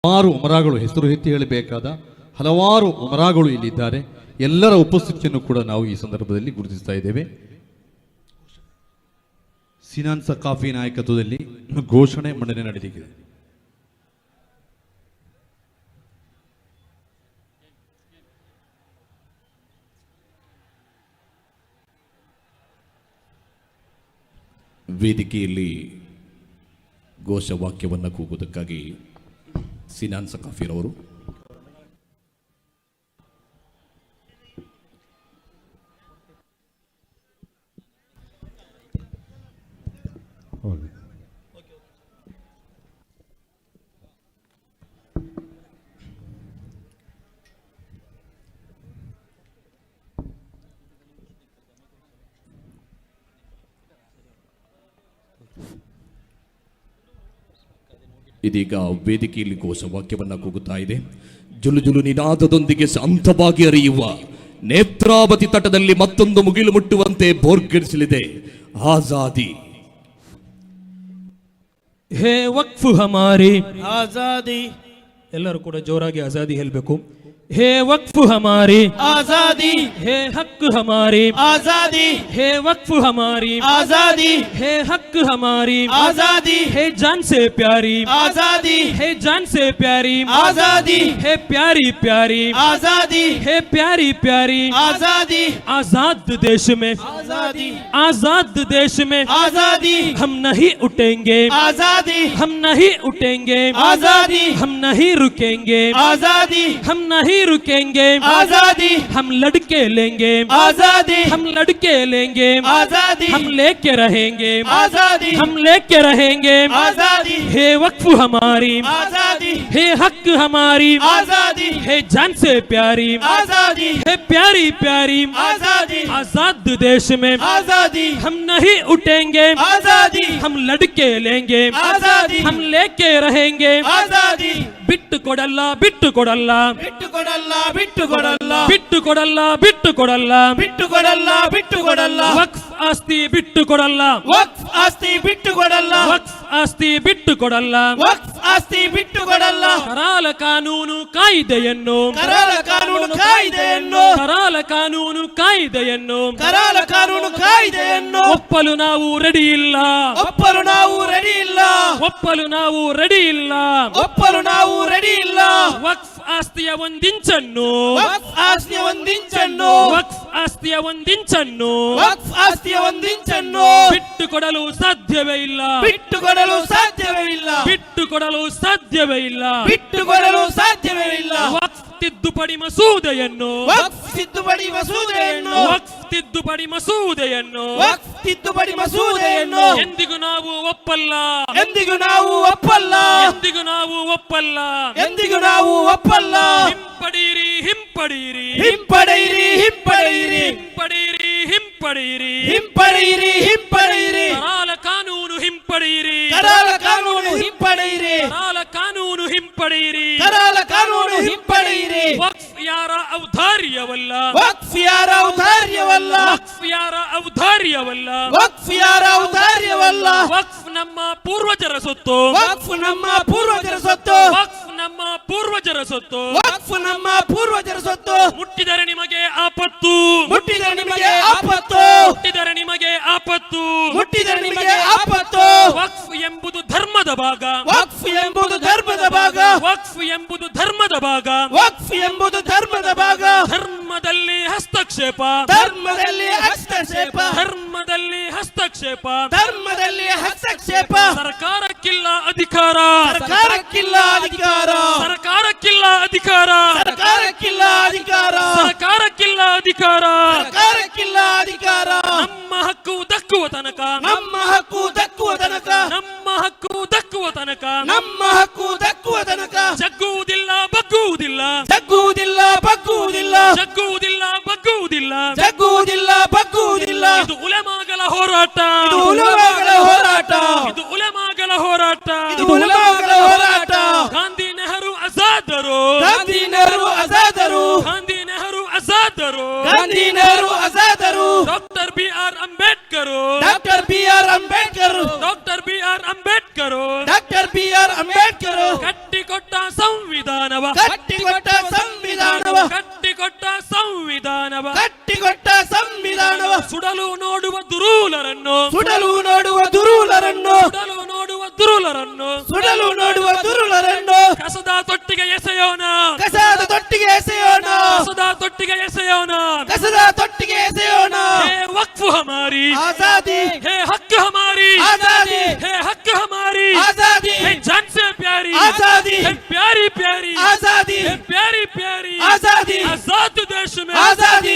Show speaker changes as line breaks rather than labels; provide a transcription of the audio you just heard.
ಹಲವಾರು ಉಮರಾಗಳು ಹೆಸರು ಎತ್ತಿ ಹೇಳಬೇಕಾದ ಹಲವಾರು ಉಮರಾಗಳು ಇಲ್ಲಿದ್ದಾರೆ. ಎಲ್ಲರ ಉಪಸ್ಥಿತಿಯನ್ನು ಕೂಡ ನಾವು ಈ ಸಂದರ್ಭದಲ್ಲಿ ಗುರುತಿಸ್ತಾ ಇದ್ದೇವೆ. ಸಿನಾನ್ ಸಕಾಫಿ ನಾಯಕತ್ವದಲ್ಲಿ ಘೋಷಣೆ ಮಂಡನೆ ನಡೆದಿದೆ.
ವೇದಿಕೆಯಲ್ಲಿ ಘೋಷವಾಕ್ಯವನ್ನು ಕೂಗುವುದಕ್ಕಾಗಿ ಸಿನಾನ್ ಸಕಾಫಿರವರು ಇದೀಗ ವೇದಿಕೆಯಲ್ಲಿ ಘೋಷವಾಕ್ಯವನ್ನು ಕೂಗುತ್ತಾ ಇದೆ. ಜುಲು ಜುಲು ನಿನಾದದೊಂದಿಗೆ ಶಾಂತವಾಗಿ ಹರಿಯುವ ನೇತ್ರಾವತಿ ತಟದಲ್ಲಿ ಮತ್ತೊಂದು ಮುಗಿಲು ಮುಟ್ಟುವಂತೆ ಬೋರ್ಗಡಿಸಲಿದೆ ಆಜಾದಿ.
ಹೇ ವಕ್ಫ್ ಹಮಾರಿ ಆಜಾದಿ. ಎಲ್ಲರೂ ಕೂಡ ಜೋರಾಗಿ ಆಜಾದಿ ಹೇಳಬೇಕು. हे वक्फ हमारी आजादी, हे हक हमारी आजादी, हे वक्फ हमारी आजादी, हे हक हमारी आजादी, हे जान से प्यारी आजादी, हे जान से प्यारी आजादी, हे प्यारी प्यारी आजादी, हे प्यारी प्यारी आजादी. आजाद देश में आजादी, आजाद देश में आजादी. हम नहीं उठेंगे आजादी, हम नहीं उठेंगे आजादी, हम नहीं रुकेंगे आजादी, हम नहीं रुकेंगे आजादी. हम लड़के लेंगे आजादी, हम लड़के लेंगे आजादी, हम लेके रहेंगे आजादी, हम लेके रहेंगे आजादी. हे वक्फ हमारी आजादी, हे हक हमारी आजादी, हे जान से प्यारी आजादी, हे प्यारी प्यारी आजादी. आजाद देश में आजादी. हम नहीं उठेंगे आजादी, हम लड़के लेंगे आजादी, हम लेके रहेंगे आजादी. बिट्टु कोडल्ल बिट्टु कोडल्ल बिट्टु कोडल्ल बिट्टु कोडल्ल बिट्टु कोडल्ल बिट्टु कोडल्ल बिट्टु कोडल्ल बिट्टु कोडल्ल. वक्फ ಆಸ್ತಿ ಬಿಟ್ಟು ಕೊಡಲ್ಲ, ವಕ್ಫ್ ಆಸ್ತಿ ಬಿಟ್ಟು ಕೊಡಲ್ಲ, ವಕ್ಫ್ ಆಸ್ತಿ ಬಿಟ್ಟು ಕೊಡಲ್ಲ, ವಕ್ಫ್ ಆಸ್ತಿ ಬಿಟ್ಟು ಕೊಡಲ್ಲ. ಕರಾಲ ಕಾನೂನು ಕಾಯ್ದೆಯನ್ನು, ಕರಾಲ ಕಾನೂನು ಕಾಯ್ದೆಯನ್ನು, ಕರಾಲ ಕಾನೂನು ಕಾಯ್ದೆಯನ್ನು, ಕರಾಲ ಕಾನೂನು ಕಾಯ್ದೆಯನ್ನು ಒಪ್ಪಲು ನಾವು ರೆಡಿ ಇಲ್ಲ, ಒಪ್ಪಲು ನಾವು ರೆಡಿ ಇಲ್ಲ, ಒಪ್ಪಲು ನಾವು ರೆಡಿ ಇಲ್ಲ, ಒಪ್ಪಲು ನಾವು ರೆಡಿ ಇಲ್ಲ. ವಕ್ಫ್ ಆಸ್ತಿಯ ಒಂದಿಂಚನ್ನು, ವಕ್ಫ್ ಆಸ್ತಿಯ ಒಂದಿಂಚನ್ನು, ವಕ್ಫ್ ಆಸ್ತಿಯ ಒಂದಿಂಚನ್ನು, ವಕ್ಫ್ ಆಸ್ತಿಯ ಒಂದಿಂಚನ್ನು ಬಿಟ್ಟು ಕೊಡಲು ಸಾಧ್ಯವೇ ಇಲ್ಲ, ಬಿಟ್ಟು ಕೊಡಲು ಸಾಧ್ಯವೇ ಇಲ್ಲ, ಬಿಟ್ಟು ಕೊಡಲು ಸಾಧ್ಯವೇ ಇಲ್ಲ, ಬಿಟ್ಟು ಕೊಡಲು ಸಾಧ್ಯವೇ ಇಲ್ಲ. ವಕ್ಫ್ ತಿದ್ದುಪಡಿ ಮಸೂದೆಯನ್ನು, ವಕ್ಫ್ ತಿದ್ದುಪಡಿ ಮಸೂದೆಯನ್ನು, ವಕ್ಫ್ ತಿದ್ದುಪಡಿ ಮಸೂದೆಯನ್ನು, ವಕ್ಫ್ ತಿದ್ದುಪಡಿ ಮಸೂದೆಯನ್ನು ಎಂದಿಗೂ ನಾವು ಒಪ್ಪಲ್ಲ, ಎಂದಿಗೂ ನಾವು ಒಪ್ಪಲ್ಲ, ಎಂದಿಗೂ ನಾವು ಒಪ್ಪಲ್ಲ, ಎಂದಿಗೂ ನಾವು ಒಪ್ಪಲ್ಲ. ಹಿಂಪಡೀರಿ ಹಿಂಪಡೀರಿ ಹಿಂಪಡೀರಿ ಹಿಂಪಡೀರಿ ಹಿಂಪಡೀರಿ ಹಿಂಪಡೀರಿ ಹಿಂಪಡೀರಿ ಹಿಂಪಡೀರಿ. ಕರಾಲ ಕಾನೂನು ಹಿಂಪಡೀರಿ, ಕರಾಲ ಕಾನೂನು ಹಿಂಪಡೀರಿ, ಕರಾಲ ಕಾನೂನು ಹಿಂಪಡೀರಿ, ಕರಾಲ ಕಾನೂನು ಹಿಂಪಡೀರಿ. ವಕ್ಫ್ ಯಾರ ಔದಾರ್ಯವಲ್ಲ, ವಕ್ಫ್ ಯಾರ ಔದಾರ್ಯವಲ್ಲ, ವಕ್ಫ್ ಯಾರ ಔದಾರ್ಯವಲ್ಲ, ವಕ್ಫ್ ಯಾರ ಔದಾರ್ಯವಲ್ಲ. ವಕ್ಫ್ ನಮ್ಮ ಪೂರ್ವಜರ ಸೊತ್ತು, ವಕ್ಫ್ ನಮ್ಮ ಪೂರ್ವಜರ ಸೊತ್ತು, ವಕ್ಫ್ ನಮ್ಮ ಪೂರ್ವಜರ ಸೊತ್ತು, ವಕ್ಫ್ ನಮ್ಮ ಪೂರ್ವಜರ ಸೊತ್ತು. ಮುಟ್ಟಿದರೆ ನಿಮಗೆ ಆಪತ್ತು, ಮುಟ್ಟಿದರೆ ನಿಮಗೆ ಆಪತ್ತು, ಮುಟ್ಟಿದರೆ ನಿಮಗೆ ಆಪತ್ತು, ಮುಟ್ಟಿದರೆ ನಿಮಗೆ ಆಪತ್ತು. ವಕ್ಫ್ ಎಂಬುದು ಧರ್ಮದ ಭಾಗ, ವಕ್ಫ್ ಎಂಬುದು ಧರ್ಮದ ಭಾಗ, ವಕ್ಫ್ ಎಂಬುದು ಧರ್ಮದ ಭಾಗ, ವಕ್ಫ್ ಎಂಬುದು ಧರ್ಮದ ಭಾಗ. ಧರ್ಮದಲ್ಲಿ ಹಸ್ತಕ್ಷೇಪ, ಧರ್ಮದಲ್ಲಿ ಹಸ್ತಕ್ಷೇಪ, ಧರ್ಮದಲ್ಲಿ ಹಸ್ತಕ್ಷೇಪ, ಧರ್ಮದಲ್ಲಿ ಹಸ್ತಕ್ಷೇಪ. ಸರ್ಕಾರಕ್ಕಿಲ್ಲ ಅಧಿಕಾರ, ಸರ್ಕಾರಕ್ಕಿಲ್ಲ ಅಧಿಕಾರ, ಸರ್ಕಾರಕ್ಕಿಲ್ಲ ಅಧಿಕಾರ, ಸರ್ಕಾರಕ್ಕಿಲ್ಲ ಅಧಿಕಾರ, ಸರ್ಕಾರಕ್ಕಿಲ್ಲ ಅಧಿಕಾರ, ಸರ್ಕಾರಕ್ಕಿಲ್ಲ ಅಧಿಕಾರ. ನಮ್ಮ ಹಕ್ಕು ದಕ್ಕುವ ತನಕ, ನಮ್ಮ ಹಕ್ಕು ದಕ್ಕುವ ತನಕ, ನಮ್ಮ ಹಕ್ಕು ದಕ್ಕುವ ತನಕ, ನಮ್ಮ ಹಕ್ಕು ದಕ್ಕುವ ತನಕ ಜಗ್ಗುವುದಿಲ್ಲ ಬಗ್ಗುವುದಿಲ್ಲ, ಜಗ್ಗುವುದಿಲ್ಲ ಬಗ್ಗುವುದಿಲ್ಲ, ಜಗ್ಗುವುದಿಲ್ಲ ಬಗ್ಗುವುದಿಲ್ಲ, ಜಗ್ಗುವುದಿಲ್ಲ ಬಗ್ಗುವುದಿಲ್ಲ. ಇದು ಉಲೆಮಾಗಳ ಹೋರಾಟ, ಇದು ಉಲೆಮಾಗಳ ಹೋರಾಟ, ಇದು ಉಲೆಮಾಗಳ ಹೋರಾಟ, ಇದು ಉಲೆಮಾಗಳ ಹೋರಾಟ. ಗಾಂಧಿ ನೆಹರು ಆಜಾದರು, ಗಾಂಧಿ ನೆಹರು ಆಜಾದರು, ಗಾಂಧಿ ನೆಹರು ಆಜಾದರು, ಗಾಂಧಿ ನೆಹರು ಆಜಾದರು. Doctor B R Ambedkar, doctor B R Ambedkar, doctor B R Ambedkar, doctor B R Ambedkar ಕಟ್ಟಿಕೊಟ್ಟ ಸಂವಿಧಾನವ
ಕಟ್ಟಿಕೊಟ್ಟ ಸಂವಿಧಾನವ
ಕಟ್ಟಿಕೊಟ್ಟ ಸಂವಿಧಾನವ
ಕಟ್ಟಿಕೊಟ್ಟ ಸಂವಿಧಾನವ
ಸುಡಲು ನೋಡುವ ದುರೂಲರನ್ನು
ಸುಡಲು ನೋಡುವ ದುರುಳರನ್ನು
ಸುಡಲು ನೋಡುವ ದುರುಳರನ್ನು
ಸುಡಲು ನೋಡುವ ದುರುಳರನ್ನು
ಕಸದ ತೊಟ್ಟಿಗೆ ಎಸೆಯೋಣ
ಕಸದ ತೊಟ್ಟಿಗೆ ಎಸೆಯೋಣ
ಕಸದ ತೊಟ್ಟಿಗೆ ಎಸೆಯೋಣ
ಕಸದ ತೊಟ್ಟಿಗೆ ಎಸೆಯೋಣ
ಹೇ ವಕ್ಫ್ ಹಮಾರಿ
आजादी
ಹೇ ಹಕ್ ಹಮಾರಿ
आजादी
ಹೇ ಹಕ್ ಹಮಾರಿ
आजादी
है जान से प्यारी
आजादी
है प्यारी प्यारी
आजादी
है प्यारी प्यारी
आजादी
आजाद देश में
आजादी